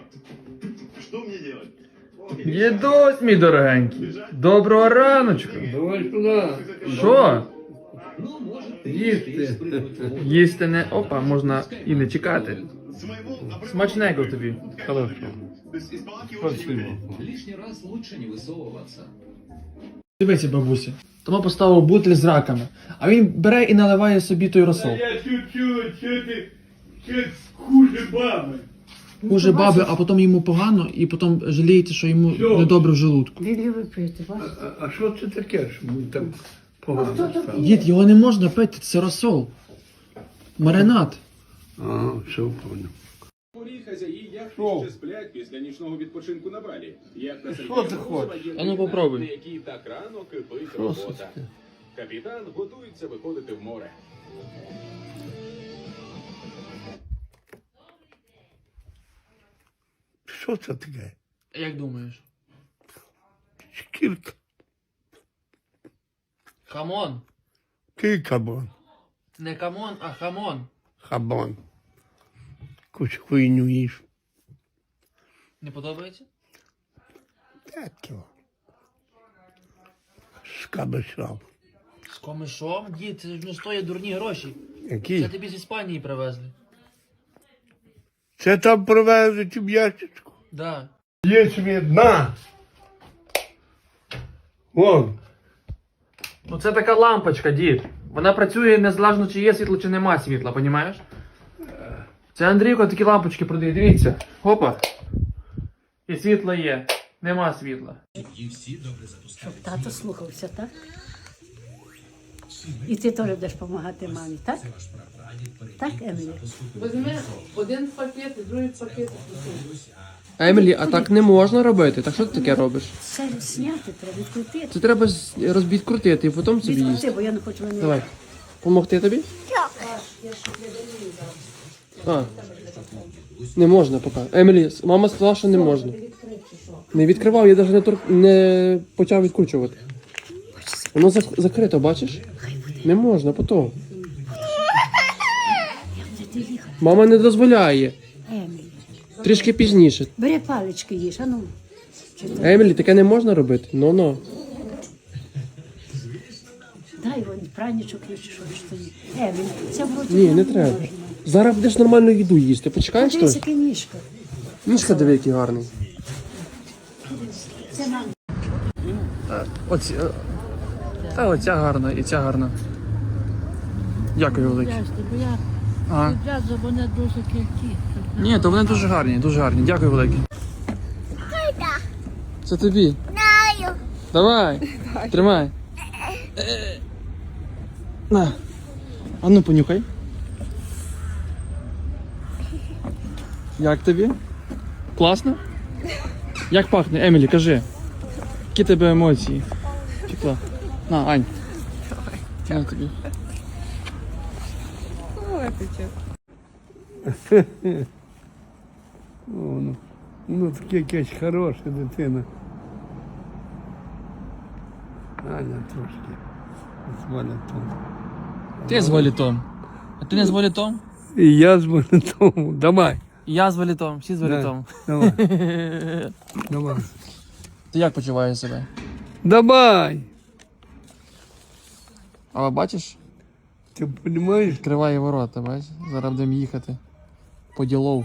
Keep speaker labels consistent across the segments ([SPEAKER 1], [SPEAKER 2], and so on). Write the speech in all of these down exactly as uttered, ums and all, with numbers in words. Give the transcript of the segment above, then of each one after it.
[SPEAKER 1] Что мне делать?
[SPEAKER 2] Дідусь, мій дорогенький. Доброго раночку.
[SPEAKER 3] Давай сюди.
[SPEAKER 2] Що?
[SPEAKER 3] Їсти.
[SPEAKER 2] Їсти не... Опа, можна і не чекати.
[SPEAKER 1] С моего обрыва
[SPEAKER 2] Смачненько тобі.
[SPEAKER 3] Хорошо.
[SPEAKER 1] без испалки
[SPEAKER 3] Спасибо.
[SPEAKER 4] Лишний раз лучше не высовываться.
[SPEAKER 2] Дивися, бабуся. Тому поставив бутиль з раками. А він бере і наливає собі той розсол.
[SPEAKER 3] Я чуть-чуть, що ти, що хуже баби.
[SPEAKER 2] Хуже баби, а потім йому погано, і потім жаліється, що йому
[SPEAKER 3] Що?
[SPEAKER 2] недобре в желудку.
[SPEAKER 5] Він любить пити,
[SPEAKER 3] А,
[SPEAKER 5] бачиш?
[SPEAKER 3] а, а що це таке, що ми там погано стало?
[SPEAKER 2] Дід, його не можна пити, це розсол. Маринад.
[SPEAKER 3] А, все понял.
[SPEAKER 6] Порі хазяї яхти
[SPEAKER 3] Що?
[SPEAKER 6] ще сплять після нічного відпочинку на Балі. Яхта
[SPEAKER 3] Що
[SPEAKER 6] Сергія
[SPEAKER 3] ти
[SPEAKER 6] Морозова
[SPEAKER 3] хочеш?
[SPEAKER 6] є
[SPEAKER 2] А ну,
[SPEAKER 6] єдина,
[SPEAKER 2] попробуй.
[SPEAKER 6] на якій так рано кипить
[SPEAKER 3] Що це
[SPEAKER 6] робота.
[SPEAKER 3] таке?
[SPEAKER 6] Капітан готується виходити в море.
[SPEAKER 3] Що це таке?
[SPEAKER 2] Як думаєш?
[SPEAKER 3] Шкірка.
[SPEAKER 2] Хамон.
[SPEAKER 3] Кикабон.
[SPEAKER 2] Не камон, а хамон.
[SPEAKER 3] Хабон. Якусь хуйню їж.
[SPEAKER 2] Не подобається?
[SPEAKER 3] Так його. З кабачом.
[SPEAKER 2] З комишом? Дід, це ж не стоїть дурні гроші. Це
[SPEAKER 3] Які?
[SPEAKER 2] тобі з Іспанії привезли.
[SPEAKER 3] Це там привезуть в ящичку.
[SPEAKER 2] Да.
[SPEAKER 3] Є свідна. Вон.
[SPEAKER 2] Ну це така лампочка, дід. Вона працює незалежно, чи є світло, чи нема світла, понімаєш? Це Андрійко такі лампочки продає, дивіться. Хопа. І світло є. Нема світла.
[SPEAKER 5] Щоб тато слухався, так? І ти теж будеш допомагати мамі, так? Так, Емілі?
[SPEAKER 7] Візьми один пакет і другий пакет.
[SPEAKER 2] Емілі, а так не можна робити. Так що ти таке робиш?
[SPEAKER 5] Це зняти, треба відкрутити.
[SPEAKER 2] Це треба розбідкрутити і потім собі їсти.
[SPEAKER 5] Відкрути, бо я не хочу мене.
[SPEAKER 2] Давай. Помогти тобі? А. Не можна поки. Емілі, мама сказала, що не можна. Не відкривав, я навіть не, тур... не почав відкручувати. Воно зак... закрито, бачиш? Не можна, потім.
[SPEAKER 5] Де ти їхав?
[SPEAKER 2] Мама не дозволяє.
[SPEAKER 5] Емілі.
[SPEAKER 2] Трішки пізніше.
[SPEAKER 5] Бери палички їж, а ну. Чи то-
[SPEAKER 2] Емілі, таке не можна робити. Ну-ну.
[SPEAKER 5] Дай вон пранічок є, чи що ж то є. Емілі, це вроді
[SPEAKER 2] Ні, не
[SPEAKER 5] можна.
[SPEAKER 2] треба. Зараз будеш нормальну їду їсти. Почекаєш
[SPEAKER 5] Подивись,
[SPEAKER 2] щось?
[SPEAKER 5] яка ніжка.
[SPEAKER 2] Ніжка диви, який гарний.
[SPEAKER 5] Це нам.
[SPEAKER 2] Оці, е, та оця гарна і ця гарна. Дякую велике.
[SPEAKER 8] Бо я
[SPEAKER 2] Ага.
[SPEAKER 8] відразу вони дуже кількі.
[SPEAKER 2] Ні, то вони дуже гарні, дуже гарні. Дякую велике. Це тобі. Давай. Тримай. Е. На. А ну понюхай. Як тобі? Класно? Як пахне, Емілі, кажи. Які тебе емоції? Тікла. На, Ань. Давай. На тобі.
[SPEAKER 3] О, ну, ну таке якась хороша дитина. Аня трошки. З валятом.
[SPEAKER 2] Ти з валітом. А ти не з валітом?
[SPEAKER 3] І я з валятом. Давай.
[SPEAKER 2] Я з валітом, всі з валітом.
[SPEAKER 3] Давай. Давай.
[SPEAKER 2] Ти як почуваєш себе?
[SPEAKER 3] Давай.
[SPEAKER 2] А бачиш?
[SPEAKER 3] Ти розумієш?
[SPEAKER 2] Відкриває ворота, бачиш? Зараз будемо їхати. По ділов.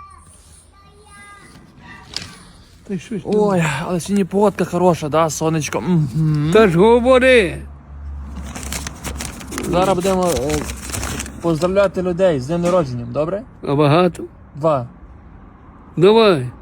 [SPEAKER 3] Та щось там.
[SPEAKER 2] Ой, але сьогодні погодка хороша, да, сонечко. Мгм.
[SPEAKER 3] Та ж говори.
[SPEAKER 2] Зараз будемо е, поздравляти людей з днем народженням, добре?
[SPEAKER 3] А багато?
[SPEAKER 2] Два.
[SPEAKER 3] Давай.